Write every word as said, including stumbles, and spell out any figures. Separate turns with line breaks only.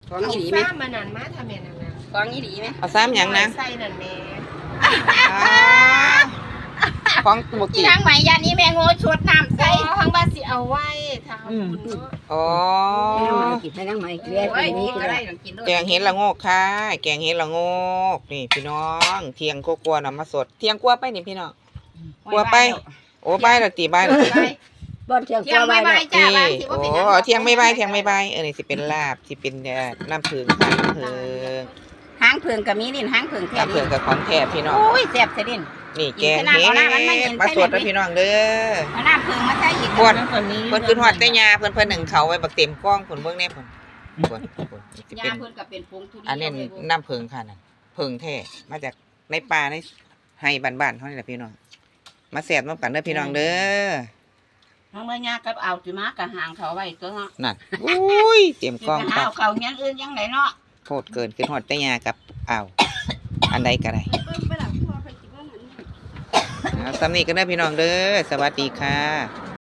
ของอีหลีไหม
ซ้ำมันนั่นมาทำแม่นั่นนะ
ของอีหลีไหม
เอาซ้ำหยังนะ
ใส่นั่นแม่
ของบุก
ที่
กี้
ทางไหมยานี้แม่โง่ชดน้ำ
ใส่
ใส่
ทางบ้านสิเอาไว้ถ้าเอาบุญเนาะ
อ๋อ
กินให้นั่งใหม่เลี้ยง
โอ้ย
นี้
นี่
ก็
ก็
ได้
ได้ต้องกินด้วย
แกงเห็ดละโงกค่ะแกงเห็ดละโงกนี่พี่น้องเที่ยงกลัวๆน่ะมาสดเที่ยงกลัวไปนี่พี่น้องกลัวไปโอ้ใบายและตีใบายและตี
บ่เที่ยง
เที่ยง
ไว้
ไม่
แล้
ไม่จ้าบ้านสิ
โอ้
ว่าเป็นหยัง
เที่ยงไม่ใบายเที่ยงไม่ใบายเออนี่สิเป็นลาบสิเป็นเอ่อน้ำผึ้งค่ะน้ำผึ้ง
หางเพิงกับมีดินหางเพิงแค่
น้ำผึ้
นี้
งกับของแท้พี่น้อง
โอ้ยแซ่บเสียดิน
นี่แกง
กิน
เห็
ขนาดเอาหน้ามันไม่เห็
ด
น
มา
ใช่
ส
ไหม
ดนะพี่น้องเด้อ
เอาน้ำเพิงมาใส่อีก
พวด
คนนี้
เพิ่นขึ้นฮอดแต่ยาเพิ่นเพิ่นหนึ่งเขาไว้บักเต็มกล้องเพิ่นเบิ่งแน่เพิ่นเพิ่นเพิ่นสิ
ยา
เป็น
เพิ่นกับเป็นผงทุเรียน
อันนี้น้ำผึ้งค่ะนั่นผึ้งแท้มาจากในป่าในไห้บ้านๆเฮานี่แหละพี่น้องมาแซ่บน้ำกันเด้อพี่น้องเด้อ
ทั้งเมื่อยากับเอาสิมากับหางเขาไว้ตัวเนาะ
นั่นอุ้ยเต็มกล้อง
สิไป
ค
หา
รับ
เอาเขาเงี้ยอื่นยังไงเนาะ
โคตรเกินขึ้นฮอดแต่ยากับอ้าวอันใดก็ได้เอาสำนี้กันเด้อพี่น้องเด้อสวัสดีค่ะ